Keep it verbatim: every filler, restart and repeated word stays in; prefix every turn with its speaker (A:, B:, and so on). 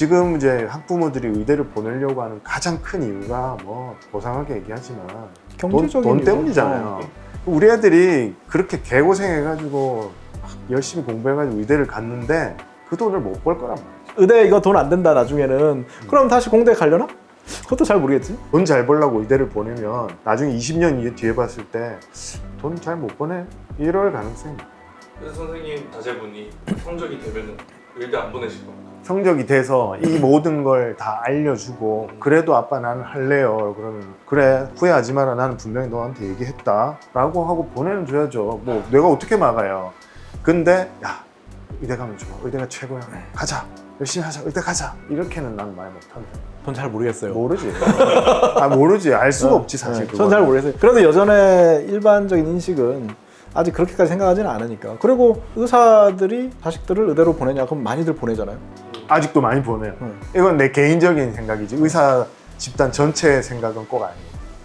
A: 지금 이제 학부모들이 의대를 보내려고 하는 가장 큰 이유가 뭐 고상하게 얘기하지만
B: 경제적인
A: 돈, 돈
B: 이유.
A: 때문이잖아요.
B: 어.
A: 우리 애들이 그렇게 개고생해가지고 열심히 공부해가지고 의대를 갔는데 그 돈을 못 벌 거란 말이야.
B: 의대 이거 돈 안 된다 나중에는. 그럼 다시 공대 가려나? 그것도 잘 모르겠지.
A: 돈 잘 벌려고 의대를 보내면 나중에 이십 년 뒤에 봤을 때 돈 잘 못 보내? 이럴 가능성이 있어요.
C: 그래서 선생님 자제분이 성적이 되면은 의대 안 보내실 겁니다.
A: 성적이 돼서 이 모든 걸 다 알려주고 그래도 아빠 나는 할래요. 그러면 그래 후회하지 마라. 나는 분명히 너한테 얘기했다 라고 하고 보내줘야죠. 뭐 내가 어떻게 막아요. 근데 야 의대 가면 좋아. 의대가 최고야. 가자. 열심히 하자. 의대 가자. 이렇게는 난 말 못한다.
B: 전 잘 모르겠어요.
A: 모르지. 아 모르지. 알 수가 없지 사실.
B: 전 잘 모르겠어요. 그래도 여전히 일반적인 인식은 아직 그렇게까지 생각하지는 않으니까. 그리고 의사들이 자식들을 의대로 보내냐? 그럼 많이들 보내잖아요.
A: 아직도 많이 보내요.
B: 응.
A: 이건 내 개인적인 생각이지 의사 집단 전체의 생각은 꼭 아니에요.